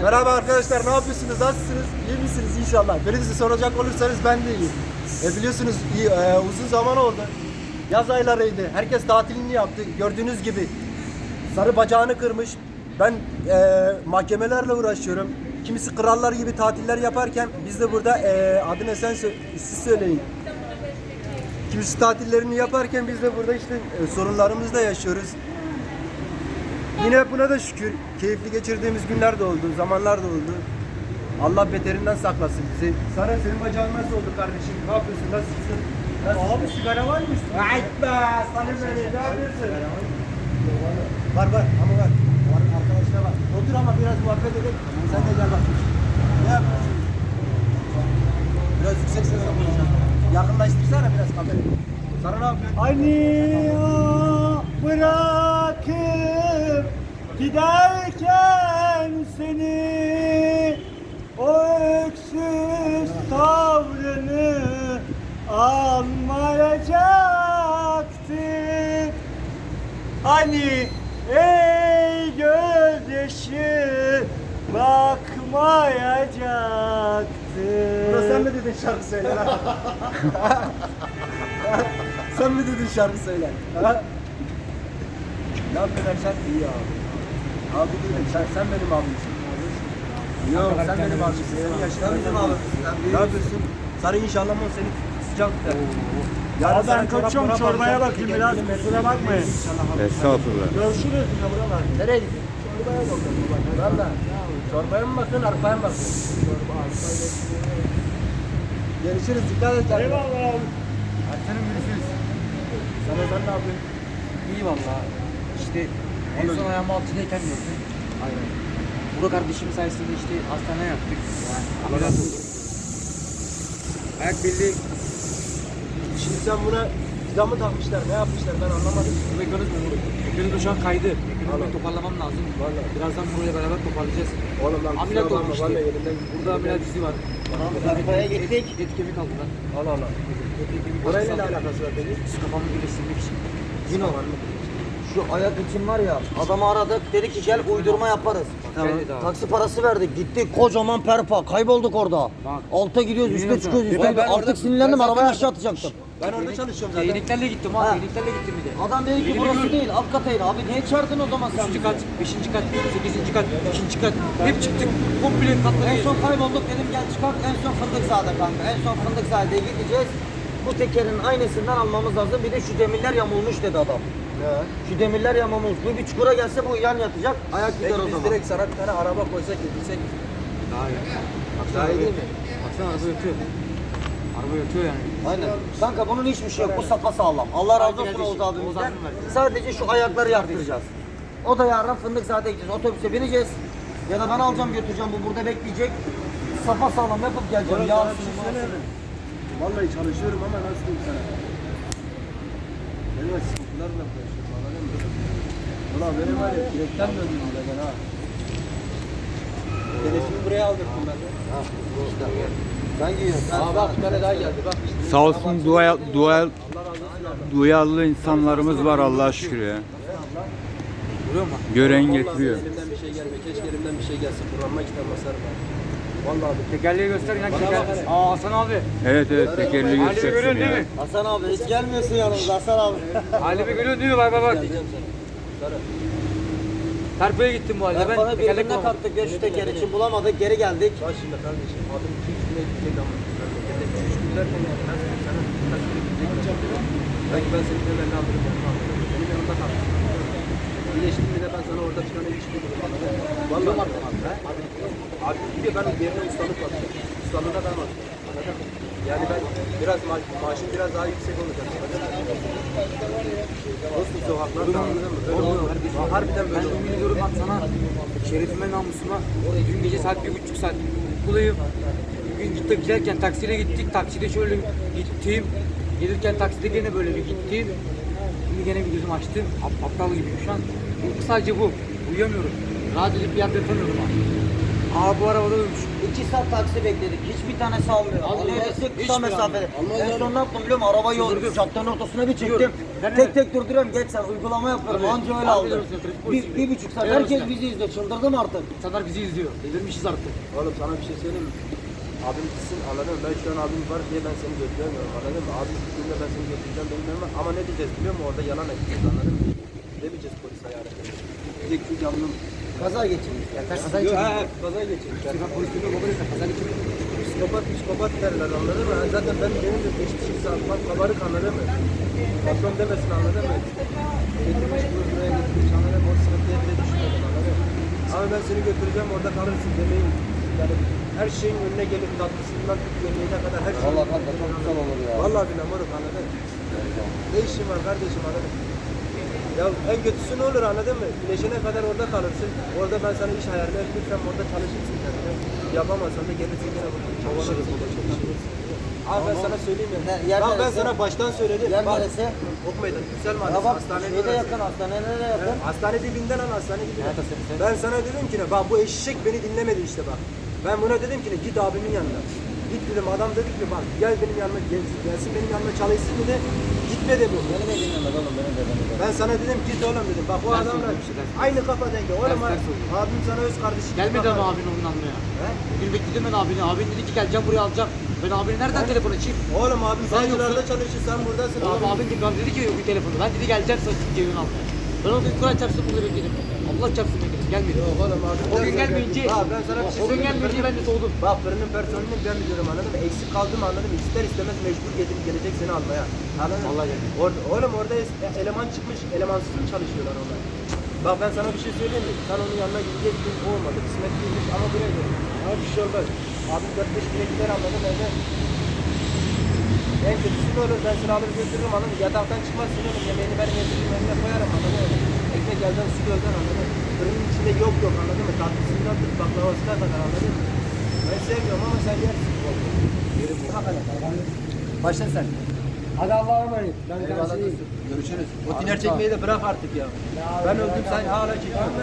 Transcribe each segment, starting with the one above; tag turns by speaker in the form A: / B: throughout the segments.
A: Merhaba arkadaşlar, ne yapıyorsunuz? Nasılsınız? İyi misiniz inşallah? Beni soracak olursanız ben de iyiyim. Biliyorsunuz uzun zaman oldu. Yaz aylarıydı. Herkes tatilini yaptı. Gördüğünüz gibi sarı bacağını kırmış. Ben mahkemelerle uğraşıyorum. Kimisi krallar gibi tatiller yaparken biz de burada adını siz söyleyin. Kimisi tatillerini yaparken biz de burada işte sorunlarımızı da yaşıyoruz. Yine buna da şükür keyifli geçirdiğimiz günler de oldu, zamanlar da oldu. Allah beterinden saklasın bizi. Sara senin bacağın nasıl oldu kardeşim? Ne yapıyorsun? Nasılsın? Abi sigara var mı üstünde? Ayt be! Salim beni ne yapıyorsun? Var ama var. Arkadaşlar var. Otur ama biraz muhabbet edelim. Sen de gel bak. Ne yapıyorsun? Biraz yüksek sesle konuşalım. Yakınlaştırsana biraz kamerayı. Sara ne yapıyorsun?
B: Hani bırakıp giderken seni o öksüz tavrını anlayacaktı. Hani ey gözyaşı bakmayacaktı.
A: Buna sen mi dedin şarkı söyle lan? Sen mi dedin şarkı söyle? Ha? Ne yapıyorsun Erşen? İyi abi. Abi değilim. Sen benim abimsin. Yok sen benim abimsin. Senin yaşında bizim abimsin. Ne yapıyorsun? Sarı inşallah o seni sıcak tutar.
B: Ya ben kaçıyorum, çorbaya bakayım biraz, kusura bakmayın.
C: Estağfurullah.
B: Görüşürüz.
A: Nereye gidiyorsun? Çorbaya bakıyorum. Valla. Çorbaya mı bakıyorsun, arpaya mı bakıyorsun? Görüşürüz. Dikkat et.
B: Eyvallah abi.
A: Erkan'ım görüşürüz. Sen ne yapıyorsun?
D: İyi valla. İşte en son ayağımı altıdayken gördüm. Aynen. Burak kardeşim sayesinde işte hastane yaptık. Yani ameliyat oldum. Ayak birliği.
A: Şimdi sen buna vida mı takmışlar, ne yapmışlar ben anlamadım.
D: Mekaniz mi Burak? Mekaniz şu an kaydı. Mekanizi toparlamam lazım.
A: Vallahi.
D: Birazdan buraya beraber toparlayacağız.
A: Oğlum lan
D: Ameliyat
A: kusura
D: oldu
A: bakma,
D: işte.
A: vallahi elimden gitti.
D: Burada ameliyat izi var.
B: Arabaya gittik.
D: Et kemik aldılar.
A: Allah Allah. Orayla ne alakası var peki?
D: Su kafamı birleştirmek için.
E: Cino, şu ayak için var ya, adamı aradık, dedi ki gel uydurma yaparız.
D: Tamam.
E: Taksi parası verdik, gittik kocaman perpa, kaybolduk orada.
D: Bak.
E: Alta gidiyoruz, üste çıkıyoruz, üste
A: Ben
E: gidiyoruz.
A: orada-
E: Artık sinirlendim,
A: ben
E: arabayı
A: zaten-
E: aşağı atacaktım.
A: Ben orada çalışıyorum zaten.
D: Yeniliklerle gittim
E: Ha.
D: abi. Yeniliklerle gittim bir de.
E: Adam dedi ki burası değil, alt kataydı. Abi niye çağırdın o zaman sen?
D: 3. kat, 5. kat, 8. kat, 2. kat. Hep çıktık. Komple katları
E: En son kaybolduk, dedim gel çıkart, en son Fındıkzade'de kanka. En son Fındıkzade'ye gideceğiz. Bu tekerin aynısından almamız lazım. Bir de şu demirler yamulmuş dedi adam.
A: Ya.
E: Şu demirler yamulmuş. Bir çukura gelse bu yan yatacak, ayak gider
A: Peki
E: o
A: biz
E: zaman.
A: direkt sana bir tane araba koysak getirsek.
D: Daha iyi.
A: Daha iyi değil mi?
D: Baksana araba yatıyor. Araba yatıyor yani.
E: Aynen. Kanka bunun hiçbir şey yok. Bu sapa sağlam. Allah razı olsun Oğuz abimizden. Sadece şu ayakları yaptıracağız. O da yarın Fındıkzade'ye gideceğiz. Otobüse bineceğiz. Ya da ben alacağım götüreceğim. Bu burada bekleyecek. Sapa sağlam yapıp geleceğim.
A: Oğlum
E: Ya
A: sana bir şey söyleyeyim mi? Vallahi çalışıyorum ama nasıl diyeyim sana? Benim sıkıntılarla konuşuyorum anladın mı? Ulan benim var ya direkten döndüm bile ben ha. Denesini buraya aldırdım ben de.
E: sen giyiyorsun.
A: Aa bak bir tane daha geldi bak.
C: Sağ olsun duyarlı insanlarımız var Allah'a şükür ya.
D: Görüyor musun?
C: Gören
A: Vallahi
C: getiriyor.
A: elimden bir şey gelmiyor. Keşke elimden bir şey gelse. Kur'an'ıma kitap basarım ben. Vallahi abi.
D: Tekerleği göster inan
A: Bana
D: teker.
A: bak hele.
D: Aa Hasan abi.
C: Evet tekerli
D: Halimi
C: göstersin
D: görüyorsun değil
C: ya.
D: mi?
E: Hasan abi hiç gelmiyorsun yanımıza Hasan abi.
D: Halimi görüyorsun değil mi? Bak bak bak.
A: Diyeceğim sana. Sarı.
D: Terpoya gittim bu halde.
E: Ben bana
D: tekerlek
E: birbirine
D: bulamadım.
E: kattık ya şu teker için bulamadık geri geldik.
A: Bak şimdi kardeşim adım 2-3 güne gidecek ama. Memlekette 2-3 gün derken yani ben sana kaç güne gidecek. Belki ben senin yanına ne alırım yanıma alırım. Benim yanımda kal. İyileştim bir de ben sana orada bir tane iş bulurum. Vallahi abi. Abi bir de ben yerine ustalık bakacağım. Ustalığına ben bakacağım. Anladın mı? Yani ben biraz maaşım biraz daha yüksek olacak. Dostum sokaklarda anladın mı? Böyle olmuyor. Harbiden böyle
D: Ben
A: oluyor.
D: yemin ediyorum bak sana. Şerefime namusuma. Dün gece saat 1,5 saat uykuluyum. Bugün gittik giderken taksiyle gittik. Takside şöyle gittim. Gelirken takside gene böyle bir gittim. Şimdi gene bir gözüm açtım. Aptal gibiyim şu an. Uyku sadece bu. Uyuyamıyorum. Rahat edip bir yerde yatamıyorum ha. Aa bu arabada uyumuş.
E: 2 saat taksi bekledik. Hiçbir tanesi almıyor. Alıyor desek kısa mesafede. En son ne yaptım biliyor musun? Arabayı caddenin ortasına bir çektim. Tek tek durduruyorum. Geç sen uygulama yapıyorum. Anca öyle aldı. Bir buçuk saat. Herkes bizi izliyor. Çıldırdım artık.
D: İnsanlar bizi izliyor. Delirmişiz artık.
A: Oğlum sana bir şey söyleyeyim mi? Abim gitsin anladın mı? Ben şu an abim var diye ben seni götüremiyorum anladın mı? Abim gittiğinde ben seni götüreceğim bilmiyorum ama ne diyeceğiz biliyor musun? Orada yalan edeceğiz anladın mı? Demeyeceğiz polis ayarı. Diyecek ki canlım.
E: Kaza geçirmiş.
A: Kaza geçirmiş.
D: Polis tutuyor, babayla kaza geçirmiş.
A: Psikopat derler anladın mı? Zaten benim de geçmişim bak kabarık anladın mı? Patron demesin anladın mı? Getirmiş bunu buraya getirmiş anladın mı? O sıkıntıya bile düşünmedim anladın mı? Ama ben seni götüreceğim orada kalırsın demeyin. Yani her şeyin önüne gelip tatlısından tut yemeğine kadar her şey.
E: Vallahi kanka çok güzel olur ya.
A: Vallahi billahi moruk anladın mı? Ne işin var kardeşim anladın mı? Ya en kötüsü ne olur anladın mı? Güneşine kadar orada kalırsın. Orada ben sana iş ayarlayıp lütfen orada çalışırsın kendine. Yapamazsan da gelirsin yine burada çalışırız. Abi ben sana söyleyeyim ya.
E: Yer
A: Bak ben
E: neresi?
A: sana baştan söyledim.
E: Yer
A: Bak,
E: neresi?
A: Ok meydanı. Güzel
E: Ya
A: mahallesi.
E: bak
A: Hastanenin
E: şeyde
A: orası.
E: yakın hastanelere yakın.
A: Hastane dibinden al hastane dibinden. Ben sana dedim ki ne bak bu eşek beni dinlemedi işte bak. Ben buna dedim ki ne git abimin yanına. Git dedim adam dedi ki bak gel benim yanıma gelsin benim yanıma çalışsın dedi. Gitmedi bu.
E: Beni de dinlemedi oğlum beni de dinlemedi.
A: Ben sana dedim git oğlum dedim. Bak bu adamla aynı kafa dengi. Oğlum abim sana öz kardeşi. gibi
D: Gelmedi
A: bakar.
D: ama abin onun anlaya.
A: He?
D: Bugün bekledim ben abini. Abin dedi ki geleceğim buraya alacağım. Ben abini nereden telefon açayım?
A: Oğlum abim
D: Sen
A: banyolarda
D: yoksun.
A: çalışır sen buradasın.
D: Abi abin dedi, bana dedi ki yok bir telefonu. Ben dedi geleceğim sana cebini almaya. Ben o gün Kur'an çarpsın bunu bekledim. Allah çarpsın bekledim. Gelmedi.
A: Yok oğlum abi.
D: O gün gelmeyince,
A: Bak ben sana bir şey
D: o gün
A: söyleyeyim.
D: gelmeyince ben de soğudum.
A: Bak fırının personelini ben biliyorum anladın mı? Eksik kaldım anladın mı? İster istemez mecbur gelecek seni almaya. Anladın mı?
D: Vallahi geldi.
A: Oğlum orada eleman çıkmış, elemansız mı çalışıyorlar onlar? Bak ben sana bir şey söyleyeyim mi? Sen onun yanına gidecektin, o olmadı. Kısmet değilmiş ama buraya gel. Ama bir şey olmaz. Abim 4-5 güne gider anladın mı? Evde. En kötüsü ne olur? Ben seni alır götürürüm anladın mı? Yataktan çıkmazsın oğlum. Yemeğini ben getiririm, önüne koyarım anladın mı? Ekmek elden su gölden anladın mı? Fırının içinde yok anladın mı? Tatlısından tut baklavasına kadar anladın mı? Ben sevmiyorum ama sen yersin. Yerim bu. Başla sen.
B: Hadi Allah'a emanet. Ben
A: Eyvallah
B: karşıyım.
A: dostum. Görüşürüz. O tiner çekmeyi de bırak artık ya. Ben öldüm sen hala çekiyorsun.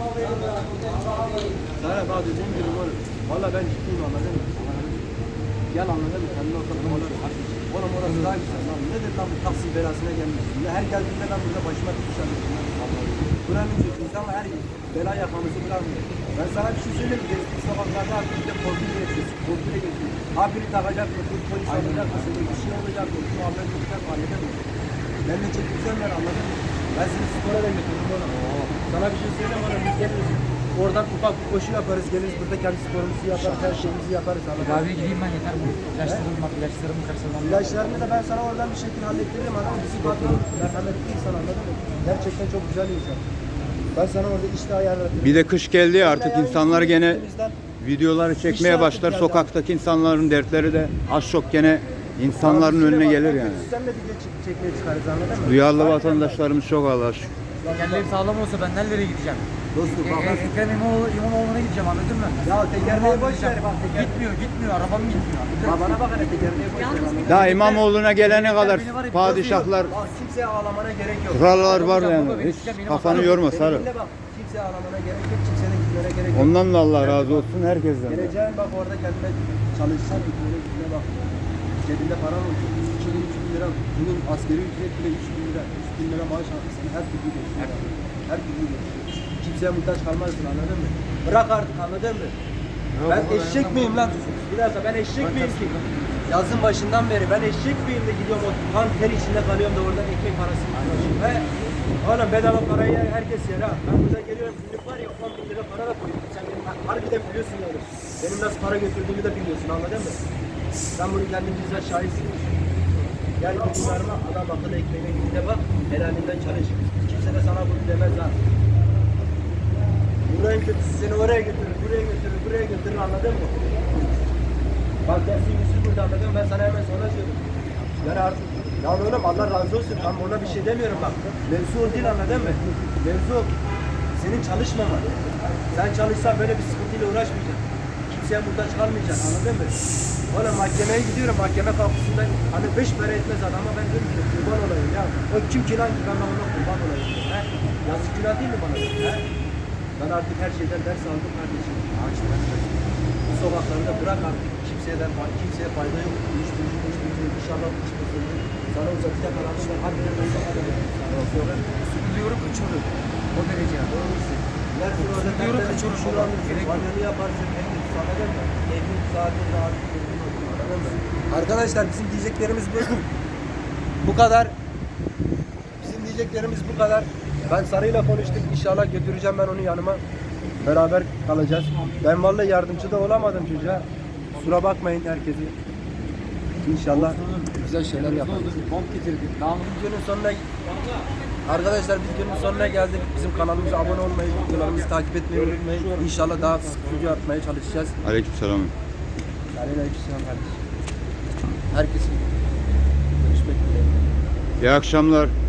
A: Sana bak dediğim gibi oğlum. Valla ben ciddiyim anladın mı? Gel anladın mı? Kendine oturup oğlum. Oğlum orası daha güzel lan. Nedir lan bu taksi belasına gelmişsin? Ya her geldiğimde ben burada başıma tutuş alıyorum. Buranın çocuğuyuz ama her bela yakamızı bırakmıyor. Ben sana bir şey söyleyeyim. Gezdiği sokaklarda artık bir de korkuyla yaşıyorsun. Korkuyla geçiyorsun. Abini takacak mı? Polis alacak mı? Seni bir şey olacak mı? Şu haber olacak mı? Anladın mı? Benimle çekilsenler anladın mı? Ben seni spora da götürürüm oğlum. Sana bir şey söyleyeyim oğlum. Biz geliriz. Oradan ufak bir koşu yaparız. Geliriz burada kendi sporumuzu yaparız. Her şeyimizi yaparız. Anladın mı?
D: Abi gideyim ben yeter mi? İlaçlarımı karşılamam.
A: İlaçlarını da ben sana oradan bir şekilde hallettiririm anladın mı? Bizi patron merhametli insan anladın mı? Gerçekten çok güzel bir insan. Ben sana orada işte ayarladım.
C: Bir de kış geldi ya, artık insanlar gene
A: Üstümüzden
C: videoları çekmeye
A: İşler
C: başlar.
A: geldi.
C: Sokaktaki insanların dertleri de az çok gene insanların önüne gelir yani.
A: Sen de video çekmeye çıkarız anladın mı?
C: Duyarlı vatandaşlarımız çok Allah'a şükür.
D: Kendileri sağlam olsa ben nerelere gideceğim?
A: Dostum bak ben...
D: Ekrem İmamoğlu'na gideceğim anladın mı?
A: Ya tekerleği boş ver bak teker.
D: Gitmiyor, arabam gitmiyor.
A: Bak bana bak hele tekerleği boş ver anladın mı?
C: Daha İmamoğlu'na gelene kadar padişahlar,
A: Bak kimseye ağlamana gerek yok.
C: krallar var yani. Hiç kafanı yorma sarı.
A: Benimle bak kimseye ağlamana gerek yok. Kimsenin gitmene gerek yok.
C: Ondan da Allah razı olsun herkesten. de.
A: Geleceğin bak orada kendine çalışsan ekmeğine gitmeye bak. Cebinde paran olsun. 2.000-3.000 lira. Bunun askeri ücret bile 3.000 lira. 3.000 lira maaş almışsın. Her türlü geçiyor. Her türlü geçiyor. Kimseye muhtaç kalmazsın anladın mı? Bırak artık anladın mı? Ben eşek miyim lan? Bir dakika ben eşek miyim ki? Yazın başından beri ben eşek miyim de gidiyorum o kan ter içinde kalıyorum da oradan ekmek parası buluyorum. Ve oğlum bedava parayı herkes yer ha. Ben burada geliyorum günlük var ya 10.000 lira para da koyuyorum. Sen benim harbiden biliyorsun yani. Benim nasıl para götürdüğümü de biliyorsun anladın mı? Sen bunu kendin bizzat şahitsin. Gel bir verme adam akıllı ekmeğine gidine bak. Helalinden çalış. Kimse de sana bunu demez ha. Buranın kötüsü seni oraya götürür, buraya götürür, buraya götürür anladın mı? Bak dersin yüzü burada anladın mı? Ben sana hemen sonra söyledim. Yani artık, ya oğlum Allah razı olsun. Ben ona bir şey demiyorum bak. Mevzu o değil anladın mı? Mevzu senin çalışmaman. Sen çalışsan böyle bir sıkıntıyla uğraşmayacaksın. Kimseye muhtaç kalmayacaksın anladın mı? Oğlum mahkemeye gidiyorum, mahkeme kapısında hani 5 para etmez adama ben diyorum ki kurban olayım ya. O kim ki lan ki ben ona kurban olayım. He? Yazık günah değil mi bana? He? Ben artık her şeyden ders aldım kardeşim. Bu sokaklarda bırak artık. Kimseye fayda yok. Uyuşturucu inşallah içmesin. Sana uzatacak aramız var. Hadi de
D: Sıkılıyorum, kaçıyorum. O derece yani. Sıkılıyorum, kaçıyorum. Gerek yok.
A: Banyanı yaparsın. Sana da evin saati rahat. Arkadaşlar bizim diyeceklerimiz bu kadar. Bizim diyeceklerimiz bu kadar. Ben Sarı'yla konuştum. İnşallah götüreceğim ben onu yanıma. Beraber kalacağız. Ben vallahi yardımcı da olamadım çocuğa. Kusura bakmayın herkesi. İnşallah güzel şeyler yaparız.
D: Bomb getirdik.
A: Videonun sonuna Arkadaşlar videonun sonuna geldik. Bizim kanalımıza abone olmayı, videolarımızı takip etmeyi unutmayın. İnşallah daha sık video atmaya çalışacağız.
C: Aleykümselam.
A: Aleykümselam kardeşim. Herkesin görüşmek dileğiyle.
C: İyi akşamlar.